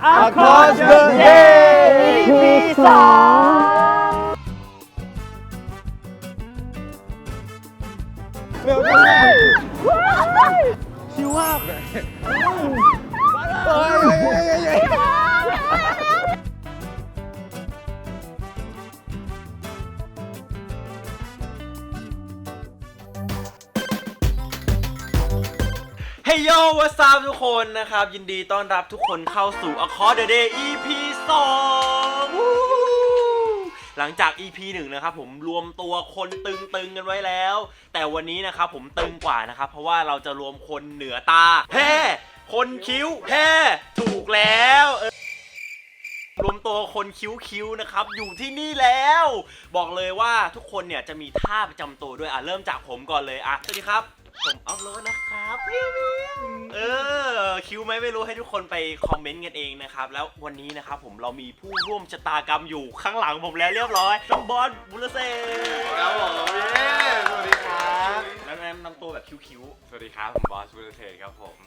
Across the Day EP 2เร็วจังชิวมากเฮ้ยโยวัสดีทุกคนนะครับยินดีต้อนรับทุกคนเข้าสู่ Across the Day EP 2หลังจาก EP 1นะครับผมรวมตัวคนตึงกันไว้แล้วแต่วันนี้นะครับผมตึงกว่านะครับเพราะว่าเราจะรวมคนเหนือตาแฮ่คนคิ้วแฮ่ถูกแล้วรวมตัวคนคิ้วนะครับอยู่ที่นี่แล้วบอกเลยว่าทุกคนเนี่ยจะมีท่าประจำตัวด้วยเริ่มจากผมก่อนเลยสวัสดีครับผมอัพโหลดนะครับคิวไหมไม่รู้ให้ทุกคนไปคอมเมนต์กันเองนะครับแล้ววันนี้นะครับผมเรามีผู้ร่วมชะตากรรมอยู่ข้างหลังผมแล้วเรียบร้อยน้องบอสบุรเซ่ครับผมสวัสดีครับแล้วแนะนำตัวแบบคิ้วสวัสดีครับผมบอสบุรเทครับผม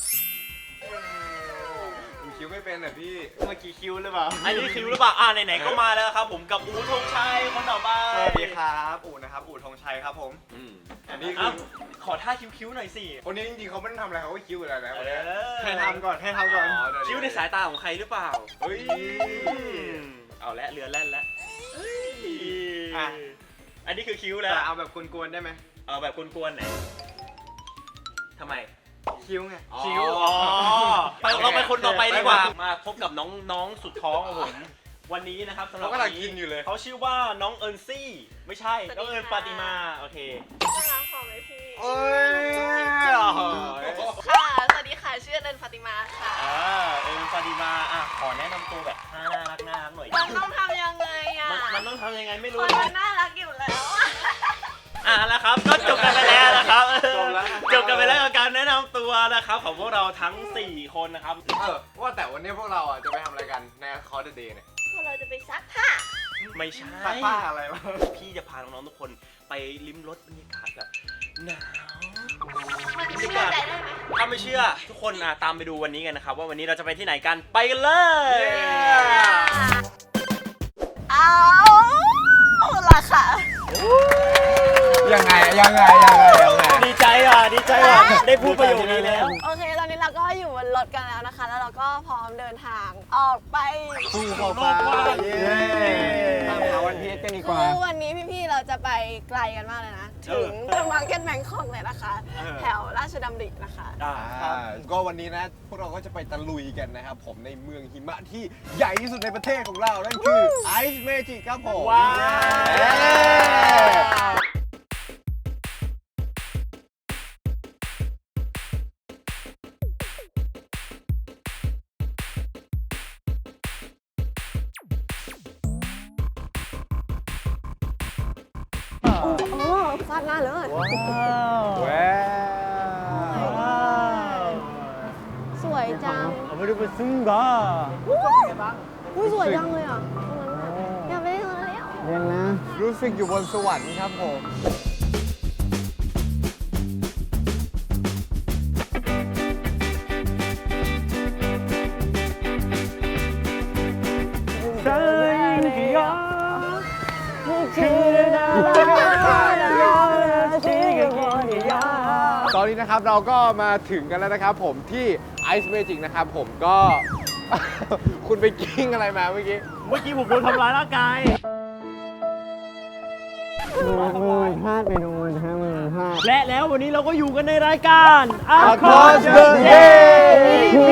คิ้วไม่เป็นเหรอพี่เมื่อกี้คิ้วหรือเปล่าอันนี้คิ้วหรือเปล่าไหนๆก็มาแล้วครับผมกับอู๋ธงชัยคนต่อไปสวัสดีครับอู๋นะครับอู๋ธงชัยครับผมอันนี้คือขอท่าคิ้วหน่อยสิคนนี้จริงๆเขาไม่ได้ทำอะไรเขาก็คิ้วอะไรนะให้ทำก่อนคิ้วในสายตาของใครหรือเปล่าเฮ้ยเอาละเรือแล่นแล้วอันนี้คือคิ้วแล้วเอาแบบกวนๆได้ไหมเอาแบบกวนๆไหนทำไมคิ้วไงคิ้วเราไปคนต่อไปดีกว่ามาพบกับน้องสุดท้องของผมวันนี้นะครับสำหรับเขากำลังกินอยู่เลยเขาชื่อว่าน้องเอิญซี่ไม่ใช่น้องเอิญปาติมาโอเคน่ารักหอมไหมพี่ค่ะสวัสดีค่ะชื่อเอิญปาติมาค่ะเอิญปาติมาขอแนะนำตัวแบบน่ารักหน่อยมันต้องทำยังไงมันต้องทำยังไงไม่รู้มันน่ารักอยู่แล้วแล้วครับก็จบกันไปแล้วนะครับจบกันไปแล้วกับการแนะนำตัวนะครับของพวกเราทั้ง4คนนะครับว่าแต่วันนี้พวกเราจะไปทำอะไรกันใน Across the Day เนี่ยพวกเราจะไปซักผ้าไม่ใช่ซักผ้าอะไรวะพี่จะพาน้องๆทุกคนไปลิ้มรสบรรยากาศแบบหนาวมันเชื่อใจได้ไหมถ้าไม่เชื่อทุกคนตามไปดูวันนี้กันนะครับว่าวันนี้เราจะไปที่ไหนกันไปกันเลยเอาล่ะค่ะยังไงดีใจได้พูดประโยคนี้แล้วโอเคตอนนี้เราก็อยู่บนรถกันแล้วนะคะแล้วเราก็พร้อมเดินทางออกไปสู่ขอบฟ้าตามหาวันพีชกันดีกว่าวันนี้พี่ๆเราจะไปไกลกันมากเลยนะถึงมาร์เก็ตแบงคอกเลยนะคะแถวราชดำรินะคะก็วันนี้นะพวกเราก็จะไปตะลุยกันนะครับผมในเมืองหิมะที่ใหญ่ที่สุดในประเทศของเรานั่นคือ Ice Magic ครับผมว้าวฟาดหน้าเลยสวยจังไม่ได้ไปซึ้งกะสวยจังเลยอยากไปเล่นแล้วเล่นนะรู้สึกอยู่บนสวรรค์ครับผมตอนนี้นะครับเราก็มาถึงกันแล้วนะครับผมที่ Ice Magic นะครับผมก็ คุณไปกิ้งอะไรมาเมื่อกี้ผมโดนทำร้ายร่างกายมือพลาดไปโดนฮะมือพลาดและแล้ววันนี้เราก็อยู่กันในรายการ Across the Day EP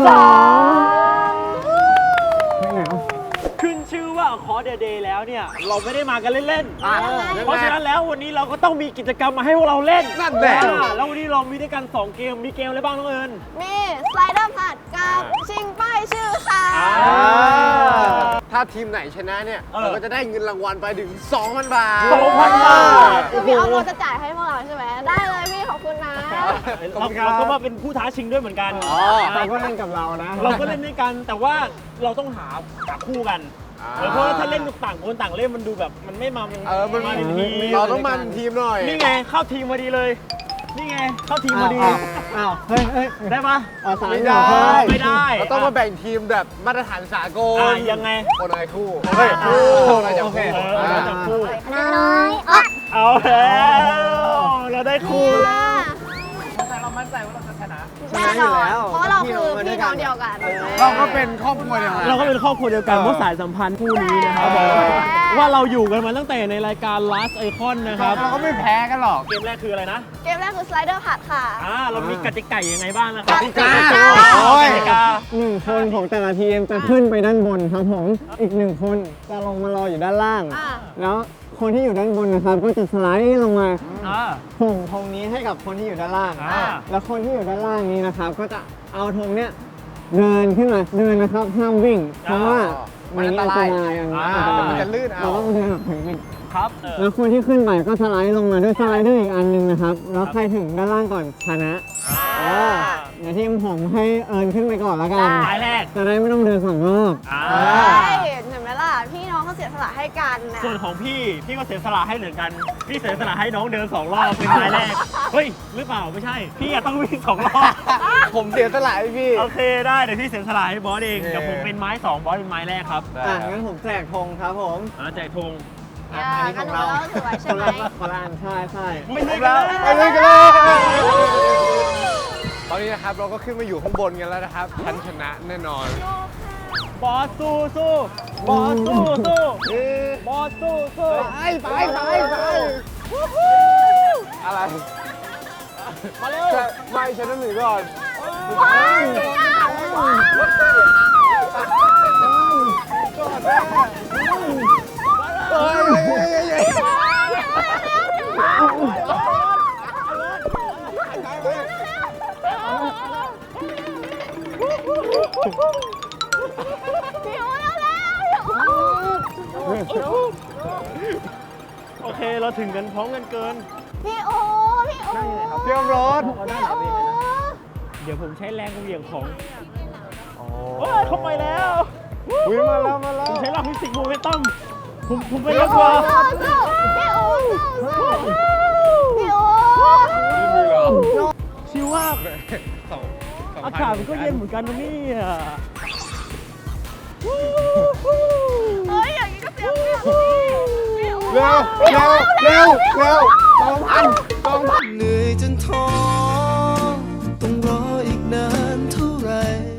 ขึ้นชื่อว่า Across the Day แล้วเนี่ยเราไม่ได้มากันเล่นๆเพราะฉะนั้นแล้ววันนี้เราก็ต้องมีกิจกรรมมาให้พวกเราเล่นนั่นแหละแล้ววันนี้เรามีด้วยกัน2เกมมีเกมอะไรบ้างน้องเอิญมีสไลเดอร์ผัดกับชิงป้ายชื่อค่ะถ้าทีมไหนชนะเนี่ยเราก็จะได้เงินรางวัลไปถึง 2,000 บาทคือพี่ออฟจะจ่ายให้พวกเราใช่ไหมได้เลยพี่ขอบคุณนะเราก็มาเป็นผู้ท้าชิงด้วยเหมือนกันเราก็เล่นกับเรานะเราก็เล่นด้วยกันแต่ว่าเราต้องหาคู่กันเพราะว่าถ้าเล่นต่างคนต่างเล่นมันดูแบบมันไม่มาเป็นทีมเราต้องมันทีมหน่อยนี่ไงเข้าทีมพอดีเลยนี่ไงเข้าทีมพอดีอ้าวเฮ้ยได้ปะสายไม่เหรได้อไม่ได้เราต้องมาแบ่งทีมแบบมาตรฐานสากลยังไงคนอะไรคู่เฮ้ยคู่เราจะโอเคคู่เราจับคู่น้อยอ๋อเอาแล้วเราได้คู่แน่นอนเพราะเราคือพี่น้องเดียวกันเราก็เป็นครอบครัวเดียวกันเราก็เป็นครอบครัวเดียวกันเพราะสายสัมพันธ์คู่นี้นะครับบอกเลยว่าเราอยู่กันมาตั้งแต่ในรายการ Last Icon นะครับเราก็ไม่แพ้กันหรอกเกมแรกคืออะไรนะเกมแรกคือสไลเดอร์ผัดค่ะเรามีกติกายังไงบ้างนะครับกติกาโอ้ยกติกา 1 คนของแต่ละทีมจะขึ้นไปด้านบนครับผมอีก1 คนจะลงมารออยู่ด้านล่างอ่าแล้วคนที่อยู่ด้านบนนะครับก็จะสไลด์ลงมาอ่าส่งธงนี้ให้กับคนที่อยู่ด้านล่างอ่าแล้วคนที่อยู่ด้านล่างนี้นะครับ ก็จะเอาธงเนี้ยเดินขึ้นมาเดินนะครับห้ามวิ่ง เพราะว่ามันอันตรายอันนี้อันตรายมันจะลื่นเอาเราต้องเดินแบบถึงวิ่งครับแล้วคนที่ขึ้นไปก็สไลด์ลงมาด้วยสไลเดอร์อีกอันหนึงนะครับ แล้วใครถึงด้านล่างก่อนชนะเดี๋ยวทีมผมให้เอิญขึ้นไปก่อนแล้วกันสายแรกจะได้ไม่ต้องเดิน2 รอบใช่เห็นไหมล่ะ พี่น้องเขาเสียสละให้กันนะส่วนของพี่ก็เสียสละให้เหมือนกัน พี่เสียสละให้น้องเดิน2 รอบเป็นสายแรก เฮ้ย หรือเปล่าไม่ใช่ พี่อะต้องวิ่ง2 รอบผมเสียสละให้พี่โอเคได้เดี๋ยวพี่เสียสละให้บอสเองเดี๋ยวผมเป็นไม้2บอสเป็นไม้แรกครับงั้นผมแจกธงครับผมแจกธงอันนี้ของเราถือไว้ใช่ไหมคนละอันใช่ใช่ไม่เลยไปเลยกันเลยตอนนี้นะครับเราก็ขึ้นมาอยู่ข้างบนกันแล้วนะครับฉันชนะแน่นอนบอสสู้สู้บอสสู้สู้บอสสู้สู้ไปอะไรมาเร็วไม่ฉันต้องหนีก่อนว้าวเฮ้ยพี่โอ้แล้วพี่โอ้โอเคเราถึงกันพร้อมกันเกินพี่โอ้พี่โอ้เตรียมรถพี่โอ้เดี๋ยวผมใช้แรงเหวี่ยงของโอ้ยเข้าไปแล้ววิ่งมาแล้วผมใช้หลักฟิสิกส์โมเมนตัมผมไปพี่เร็วกโอ้ว่าพี่โอ้พี่โอ้ไม่มีหรอชิวมากสองอากาศมันก็เย็นเหมือนกันนะเนี่ยเฮ้ยอย่างนี้ก็เสียเปรียบพี่โอ้เร็ว2,000 เหนื่อยจนท้อต้องรออีกนานเท่าไหร่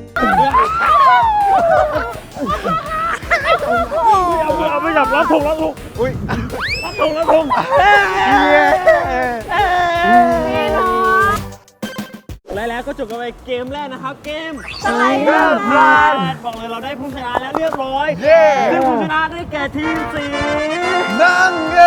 เอาไปจับรับธงอุ้ยรับธงพี่น้องแล้วก็จบกันไปเกมแรกนะครับ เกมสไลเดอร์ผัดบอกเลยเราได้ผู้ชนะแล้วเรียบร้อยเย้ซึ่งผู้ชนะได้แก่ทีมสีนั่งเง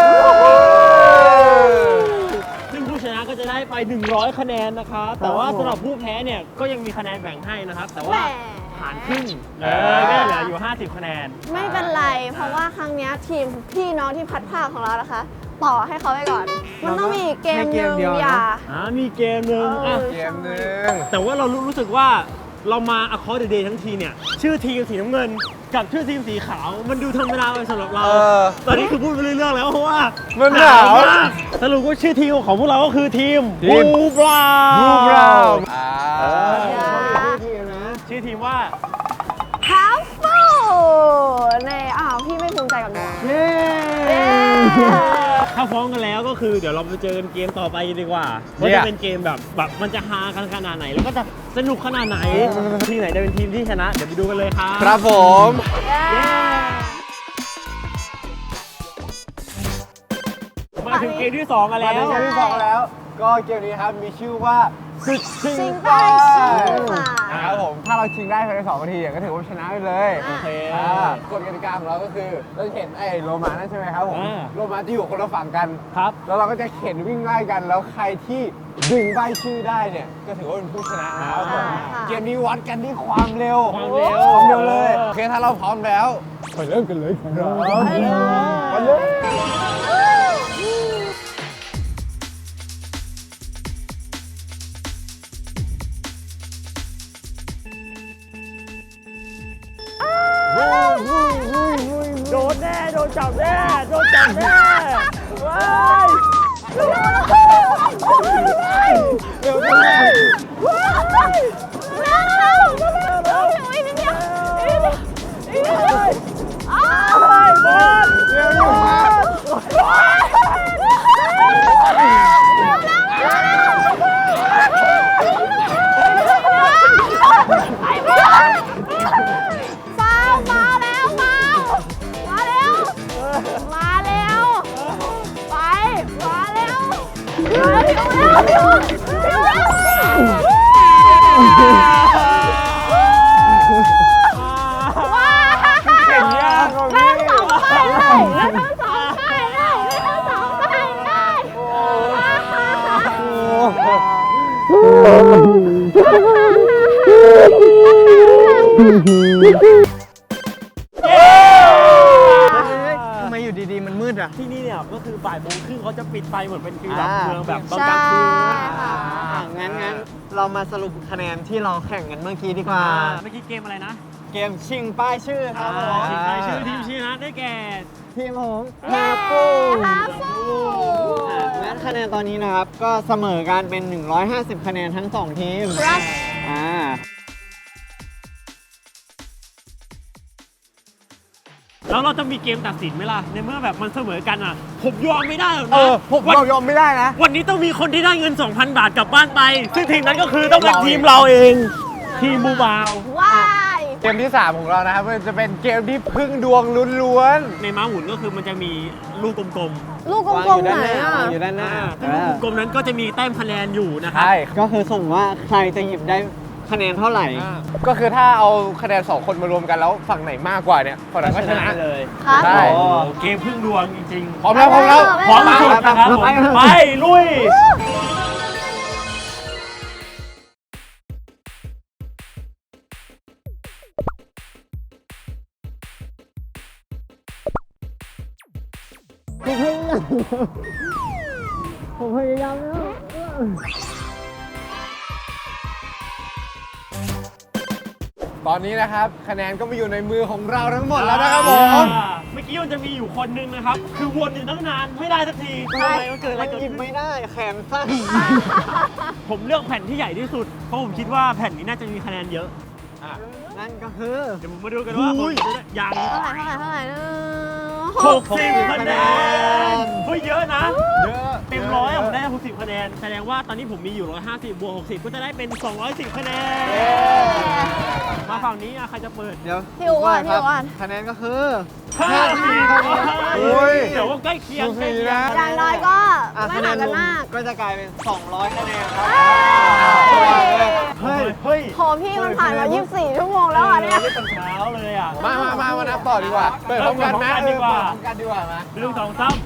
ซึ่งผู้ชนะก็จะได้ไป 100 คะแนนนะครับ แต่ว่าสำหรับผู้แพ้เนี่ยก็ยังมีคะแนนแบ่งให้นะครับ แต่แหว่าม หารครึ่งก็เหลืออยู่ 50 คะแนนไม่เป็นไร เพราะว่าครั้งเนี้ยทีมพี่น้องที่พัดผ้าของเรานะคะ ต่อให้เขาไปก่อน มันต้องมีอีกเกมหนึ่งอย่ามีเกมหนึ่งอ่ะเกมหนึ่งแต่ว่าเรารู้สึกว่าเรามา Across the Day ทั้งทีเนี่ย ชื่อทีมสีน้ำเงิน กับชื่อทีมสีขาว มันดูธรรมดาไปสำหรับเรา ตอนนี้คือพูดไปเรื่อยๆแล้วเพราะว่ามันหนาวมากสรุปว่าชื่อทีมของพวกเราก็คือทีมทีมบูบราวรูปเราอ่าชื่อทีมว่าฮาฟฟูในพี่ไม่ภูมิใจกับหนูเย้ถ้าฟ้องกันแล้วก็คือเดี๋ยวเราไปเจอกันเกมต่อไปดีกว่าว่าจะเป็นเกมแบบมันจะฮากันขนาดไหน แล้วก็จะสนุกขนาดไหน ทีมไหนจะเป็นทีมที่ชนะ เดี๋ยวไปดูกันเลยครับครับผมมาถึงเกมที่ 2 กันมาแล้วถึงเกมที่สองแล้ว ก็เกมนี้ครับมีชื่อว่าศึกชิชิงงไปไปชิงค่ะครับผม ถ้าเราชิงได้ภายใน2 นาทีก็ถือว่าชนะไปเลยโอเคกฎกติกาของเราก็คือเราจะเห็นไอ้โลมานั่นใช่ไหมครับผมอ่าโลมาจะอยู่คนละฝั่งกันครับแล้วเราก็จะเข็นวิ่งไล่กัน แล้วใครที่ดึงใบชื่อได้เนี่ย ก็ถือว่าเป็นผู้ชนะนะครับผมค่ะเกมนี้วัดกันที่ความเร็วความเร็วความเร็วเลย โอเค ถ้าเราพร้อมแล้วไปเริ่มกันเลยครับไปเลยโดนแน่ โดนจับแน่ โดนจับแน่ว้ายเเร็วอีกนิดเดียวอีกนิดเดียวอ้าวบอลเร็วอยู่ไอ้บอลฟาวมาแล้วฟาวมาเร็วมาเร็วไปมาเร็วเร็วเร็วเร็วว้าวเก่งยากเล่นสองไปเลยเล่นทั้งสองไปเลยเล่นทั้งสองไปทำไมอยู่ดีๆมันมืดอ่ะที่นี่เนี่ยก็คือบ่ายโมงครึ่งเขาจะปิดไฟเหมือนเป็นฟิลแบบอ่าเมืองแบบตอนใช่กลางคืนค่ะงั้นเรามาสรุปคะแนนที่เราแข่งกันเมื่อกี้ดีกว่าเมื่อกี้เกมอะไรนะเกมชิงป้ายชื่อครับผมชิงรายชื่อทีมชนะได้แก่ทีมผมเย้ฮาปูฮาฟูงั้นคะแนนตอนนี้นะครับ ก็เสมอกันเป็น 150 คะแนนทั้ง 2 ทีมครับแล้วเราจะมีเกมตัดสินไหมล่ะ ในเมื่อแบบมันเสมอกันอ่ะ ผมยอมไม่ได้หรอกเอนะอผมเรายอมไม่ได้นะวันนี้ต้องมีคนที่ได้เงิน 2,000 บาทกลับบ้านไป ซึ่งทีมนั้นก็คือต้องเป็นทีมเราเอง ทีมบูบาวว้ายเกมที่ 3 ของเรานะครับมันจะเป็นเกมที่พึ่งดวงล้วนในม้าหมุนก็คือมันจะมีลูกกลมลูกกวางลอมยู่ๆไหนด้านหน้าอ่ะวางอยู่ด้านหน้าซึ่งลูกกลมๆนั้นก็จะมีแต้มคะแนนอยู่นะๆครับใช่ก็คือสุ่มว่าใครจะหยิบได้คะแนนเท่าไหร่ก็คือถ้าเอาคะแนน 2 คนมารวมกันแล้วฝั่งไหนมากกว่าเนี่ยฝั่งนั้นก็ชนะเลยครับใช่โอ้เกมพึ่งดวงจริงพร้อมแล้วพร้อมแล้วๆ พร้อมที่สุดนะครับผมไปลุยผมพยายามแล้วตอนนี้นะครับคะแนนก็มาอยู่ในมือของเราทั้งหมดแล้วนะครับผมเมื่อกี้มันจะมีอยู่คนนึงนะครับ คือวนอยู่ตั้งนานไม่ได้สักทีทำไมมันเกิดอะไรมันเกิดหยิบขึ้นไม่ได้แขนสั้นผมเลือกแผ่นที่ใหญ่ที่สุด เพราะผมคิดว่าแผ่นนี้น่าจะมีคะแนนเยอะนั่นก็คือเดี๋ยวผมมาดูกันว่าผมจะได้ยังเท่าไหร่ 60คะแนนเฮ้ยเยอะนะเยอะเต็มร้อยอะผมได้60คะแนน แสดงว่าตอนนี้ผมมีอยู่ 150 บวก 60 ก็จะได้เป็น 210 คะแนน มาฝั่งนี้อะใครจะเปิดเดี๋ยวพี่อู๋ก่อนคพี่รับอู๋ก่อนคะแนนก็คือ 50 โอ้ยเดี๋ยวว่าใกล้เคียงใกล้เคียงอย่างน้อยก็อ่ะไม่คะแนห่างนกันรวมมากก็จะกลายเป็น 200 คะแนนครับเฮ้ย เฮ้ยโหพี่มันผ่านมา24 ชั่วโมงแล้วอ่ะเนี่ยไม่ตั้งเช้าเลยอ่ะมานับต่อดีกว่า เปิดพร้อมกันนะเปิดพร้อมกันดีกว่าเปิดพร้อมกันดีกว่ามาเรื่อง2 3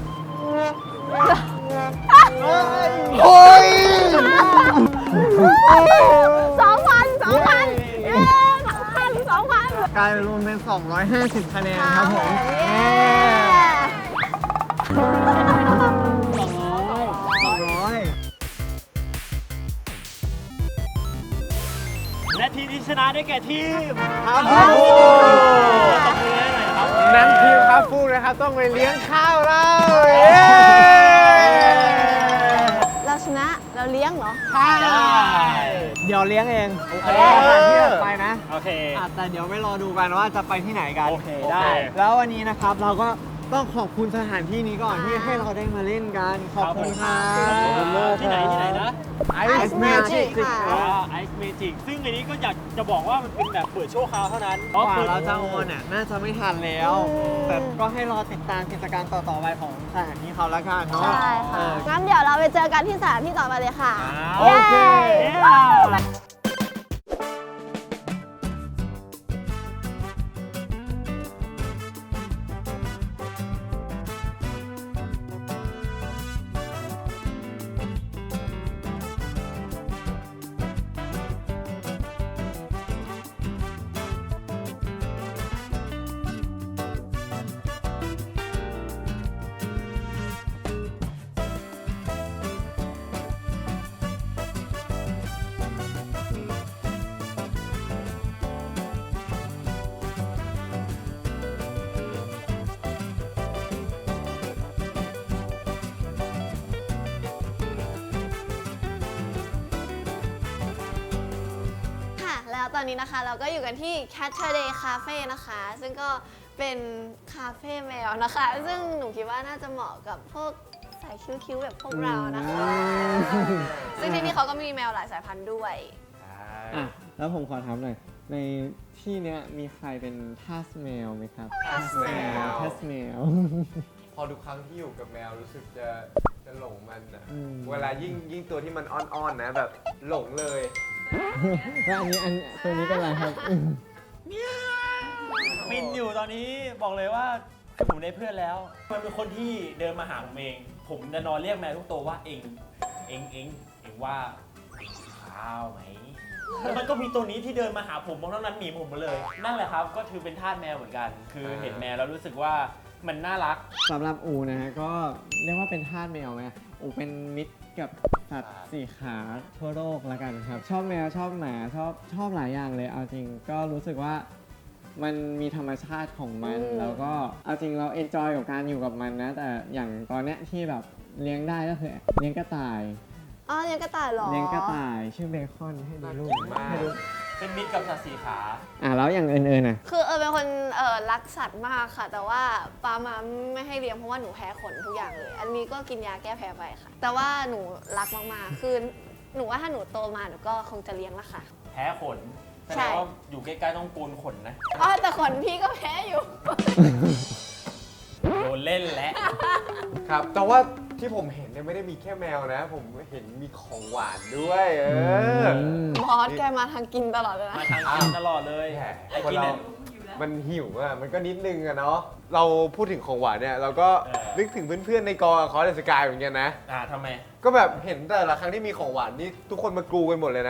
โอ้ย 2,000เย้2,000 กลายเป็นรวมเป็น 250 คะแนนครับผมเย้ 200 และทีมที่ชนะได้แก่ทีมครับโอ้โหตบมือให้หน่อยครับนั้นทีมครับฟูนะครับต้องไปเลี้ยงข้าวเราเย้เราชนะเราเลี้ยงเหรอเดี๋ยวเลี้ยงเองโอเคสถานที่ถัดไปนะโอเคแต่เดี๋ยวไม่รอดูกันว่าจะไปที่ไหนกันโอเคได้แล้ววันนี้นะครับเราก็ต้องขอบคุณสถานที่นี้ก่อนที่ให้เราได้มาเล่นกัน ขอบคุณครับที่ไหนนะ Ice Magic ค่ะไอซ์เมจิกซึ่งอันนี้ก็อยากจะบอกว่ามันเป็นแบบเปิดชั่วคราวเท่านั้นกว่าเราจะโอนน่ะน่าจะไม่ทันแล้ว แต่ก็ให้รอติดตามกิจการต่อๆไปของสถานที่เขาแล้วกันเนาะใช่ค่ะ งั้นเดี๋ยวเราไปเจอกันที่สถานที่ต่อไปเลยค่ะโอเคเย้ตอนนี้นะคะเราก็อยู่กันที่ Catterday Cafe นะคะ ซึ่งก็เป็นคาเฟ่แมวนะคะ ซึ่งหนูคิดว่าน่าจะเหมาะกับพวกสายคิ้วๆแบบพวกเรานะคะ ซึ่งที่นี่เขาก็มีแมวหลายสายพันธุ์ด้วยอ่ะแล้วผมขอถามหน่อย ในที่เนี้ยมีใครเป็นทาสแมวไหมครับทาสแมวทาสแมวพอทุกครั้งที่อยู่กับแมวรู้สึกจะหลงมันอะอืมเวลายิ่งตัวที่มันอ้อนๆนะแบบหลงเลยแล้วตัวนี้เป็นอะไรครับมินอยู่ตอนนี้บอกเลยว่าคือผมได้เพื่อนแล้ว มันเป็นคนที่เดินมาหาผมเอง ผมจะนอนเรียกแมวทุกตัวว่าเองว่าข้าวไหมแล้วมันก็มีตัวนี้ที่เดินมาหาผมมองเท่านั้นหนีผมมาเลย นั่นแหละครับก็ถือเป็นทาสแมวเหมือนกัน คือเห็นแมวแล้วรู้สึกว่ามันน่ารักสำหรับอูนะฮะก็เรียกว่าเป็นทาสแมวไหมอูเป็นมิตรกับสัตว์สี่ขาทั่วโลกแล้วกันครับ ชอบแมวชอบหมาชอบหลายอย่างเลยเอาจริงก็รู้สึกว่ามันมีธรรมชาติของมัน แล้วก็เอาจริงเราเอนจอยกับการอยู่กับมันนะ แต่อย่างตอนเนี้ยที่แบบเลี้ยงได้ก็คือเลี้ยงกระต่ายอ๋อเลี้ยงกระต่ายเหรอเลี้ยงกระต่ายชื่อเบคอนให้ดูรูปน่ากินมากให้ดูเป็นมิตรกับสัตว์สีขาแล้วอย่างอื่นๆน่ะคือเป็นคนรักสัตว์มากค่ะ แต่ว่าปามาไม่ให้เลี้ยงเพราะว่าหนูแพ้ขนทุกอย่างเลย อันนี้ก็กินยาแก้แพ้ไปค่ะ แต่ว่าหนูรักมากๆ คือหนูว่าถ้าหนูโตมาหนูก็คงจะเลี้ยงละค่ะแพ้ขนแสใช่ดงว่าอยู่ใกล้ๆต้องโกนขนนะอ๋อแต่ขนพี่ก็แพ้อยู่โดนเล่นแล้วครับ แต่ว่าที่ผมเห็นเนี่ยไม่ได้มีแค่แมวนะ ผมเห็นมีของหวานด้วยบอสแกมาทางกินตลอดเลยนะมาทางกินตลอดเลยแหมไอ้คนกินเราเนี่ยมันหิวอ่ะ มันก็นิดนึงอะเนาะ เราพูดถึงของหวานเนี่ย เราก็เออนึกถึงเพื่อนๆในกองคอร์สสกายเหมือนกันนะทำไมก็แบบเห็นแต่ละครั้งที่มีของหวานนี่ทุกคนมากรูกันหมดเลยนะ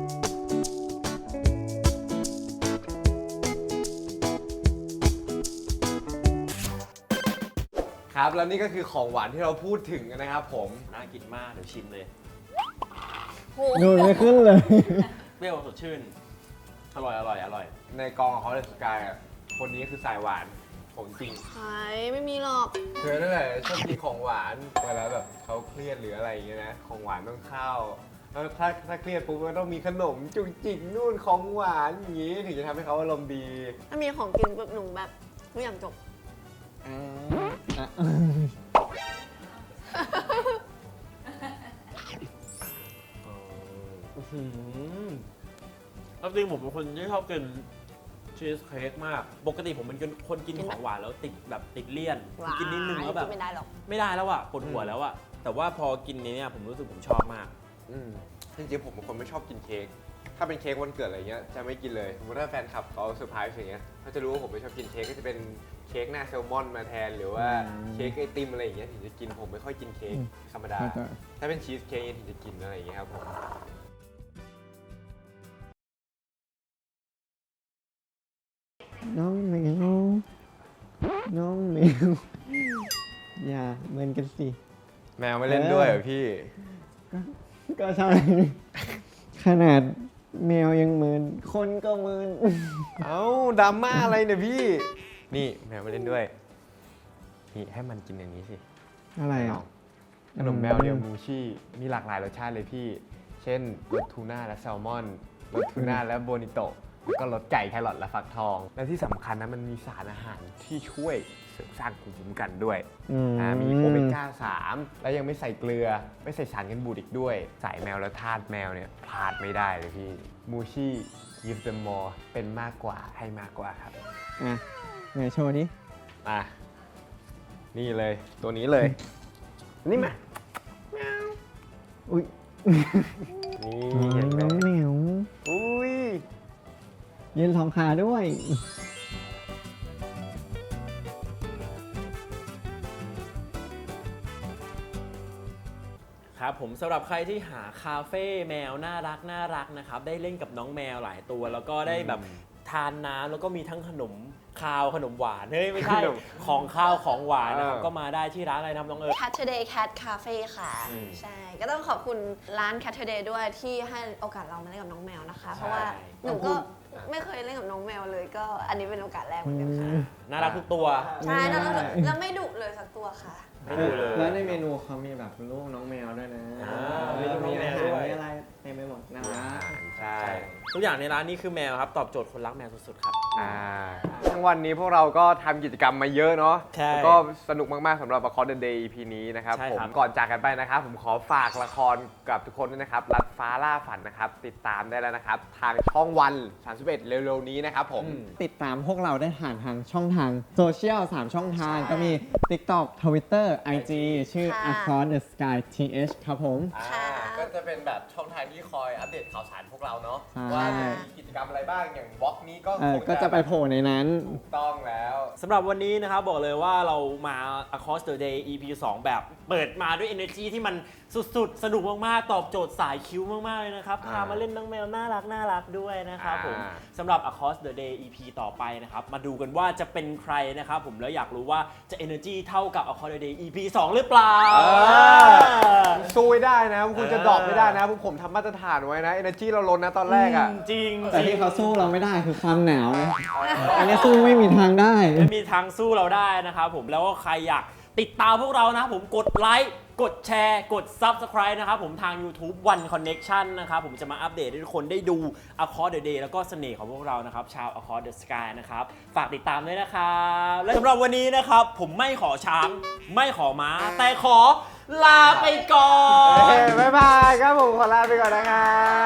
ครับแล้วนี่ก็คือของหวานที่เราพูดถึงนะครับผมน่ากินมากเดี๋ยวชิมเลยดูไม่ขึ้นเลยเปรี้ยวสดชื่น อร่อยในกองคอร์สสกายอ่ะคนนี้คือสายหวานของจริงหายไม่มีหรอกเธอนั่นแหละชอบกินของหวานเวลาแบบเขาเครียดหรืออะไรอย่างเงี้ยนะของหวานต้องเข้าแล้วถ้าเครียดปุ๊บมันต้องมีขนมจุกจิกนู่นของหวานอย่างงี้ถึงจะทำให้เขาอารมณ์ดีถ้ามีของกินปุ๊บหนูแบบทุกอย่างจบแล้วจริงผมเป็นคนที่ชอบกินชีสเค้กมาก ปกติผมเป็นคนกินของหวานแล้วติดเลี่ยน กินนิดนึงแล้วแบบไม่ได้หรอกไม่ได้แล้วอะปวดหัวแล้วอะแต่ว่าพอกินนี้เนี่ยผมรู้สึกผมชอบมากจริงๆผมเป็นคนไม่ชอบกินเค้ก ถ้าเป็นเค้กวันเกิดอะไรเงี้ยจะไม่กินเลยสมมติถ้าแฟนคลับเขาเซอร์ไพรส์อย่างเงี้ยเขาจะรู้ว่าผมไม่ชอบกินเค้กก็จะเป็นเค้กหน้าแซลมอนมาแทนหรือว่าเค้กไอติมอะไรอย่างเงี้ยถึงจะกินผมไม่ค่อยกินเค้กธรรมดา ถ้าเป็นชีสเค้กถึงจะกินอะไรอย่างเงี้ยครับผมน้องแมวน้องแมวอย่าเหมือนกันสิแมวไม่เล่นด้วยเหรอพี่ก็ใช่ ขนาดแมวยังเหมือนคนก็เหมือนเอ้าดราม่าอะไรเนี่ยพี่ นี่แมวไม่เล่นด้วย นี่ให้มันกินอย่างนี้สิอะไรอ่ะขนมแมวเรียวมูชี่มีหลากหลายรสชาติเลยพี่ เช่นรสทูน่าและแซลมอนรสทูน่าและโบนิโตะแล้วก็รสไก่แครอทและฟักทอง และที่สำคัญนะมันมีสารอาหารที่ช่วยเสริมสร้างภูมิคุ้มกันด้วย มีโอเมก้า 3 แล้วยังไม่ใส่เกลือ ไม่ใส่สารกันบูดอีกด้วย สายแมวและทาสแมวเนี่ยพลาดไม่ได้เลยพี่มูชี่ give them more เป็นมากกว่าให้มากกว่าครับอ่ะไหนโชว์ดิอ่ะนี่เลยตัวนี้เลย นี่มาอุ้ยนี่เห็นไหมน้องแมวอุ้ยยืนสองขาด้วยครับผมสำหรับใครที่หาคาเฟ่แมวน่ารักนะครับได้เล่นกับน้องแมวหลายตัว แล้วก็ได้แบบทานน้ำแล้วก็มีทั้งขนมคาวขนมหวานเฮ้ยไม่ใช่ ของคาวของหวานนะครับก็มาได้ที่ร้านอะไรนะครับน้องเอิร์ธ Catterday Cat Cafe ค่ะ ใช่ ก็ต้องขอบคุณร้าน Catterday ด้วยที่ให้โอกาสเรามาเล่นกับน้องแมวนะคะ เพราะว่าหนูก็ไม่เคยเล่นกับน้องแมวเลย ก็อันนี้เป็นโอกาสแรกเหมือนกันค่ะน่ารักทุกตัวใช่แล้วไม่ดุเลยสักตัวค่ะไม่ดูเลยแล้วในเมนูเขามีแบบลูกน้องแมวด้วยนะอ่ามีมีอาแมวหารด้วยมีอะไรเต็มไปหมดนะอาหารใช่ทุกอย่างในร้านนี้คือแมวครับตอบโจทย์คนรักแมวสุดๆครับทั้งวันนี้พวกเราก็ทำกิจกรรมมาเยอะเนาะใช่แล้วก็สนุกมากๆสำหรับ Across the Day EP นี้นะครับใช่ผมครับก่อนจากกันไปนะครับ ผมขอฝากละครกับทุกคนด้วยนะครับรัดฟ้าล่าฝันนะครับ ติดตามได้แล้วนะครับ ทางช่องวัน 31 เร็วๆนี้นะครับผมติดตามพวกเราได้ผ่านทางช่องทางโซเชียล 3 ช่องทางก็มี TikTok Twitter IG ชื่อค่ะ Across the Sky TH ครับผมค่ะก็จะเป็นแบบช่องทางที่คอยอัปเดตข่าวสารพวกเราเนาะใช่ว่ามีกิจกรรมอะไรบ้างอย่างวอล์กนี้ก็คงก็จะไปโผล่ในนั้นถูกต้องแล้วสำหรับวันนี้นะครับบอกเลยว่าเรามา Across the Day EP 2 แบบเปิดมาด้วย energy ที่มันสุดๆ สนุกมากๆ ตอบโจทย์สายคิ้วมากๆเลยนะครับ พามาเล่นน้องแมวน่ารักด้วยนะครับผม สำหรับ Across the Day EP ต่อไปนะครับ มาดูกันว่าจะเป็นใครนะครับผมแล้วอยากรู้ว่าจะ energy เท่ากับ Across the Day EP 2 หรือเปล่าสู้ไม่ได้นะคุณจะดรอปไม่ได้นะพวกผมทำมาตรฐานไว้นะ energy เราล้นนะตอนแรกอ่ะจริงแต่ที่เขาสู้เราไม่ได้คือความหนาวนะอันนี้สู้ไม่มีทางได้ไม่มีทางสู้เราได้นะครับผมแล้วก็ใครอยากติดตามพวกเรานะครับผมกดไลค์กดแชร์กด Subscribe นะครับผมทาง YouTube One Connection นะครับผมจะมาอัปเดตให้ทุกคนได้ดู Across the Day แล้วก็เสน่ห์ของพวกเรานะครับชาว Across the Sky นะครับฝากติดตามด้วยนะครับและสำหรับวันนี้นะครับผมไม่ขอช้างไม่ขอม้า แต่ขอลาไปก่อนบ๊ายบายครับผมขอลาไปก่อนนะครับ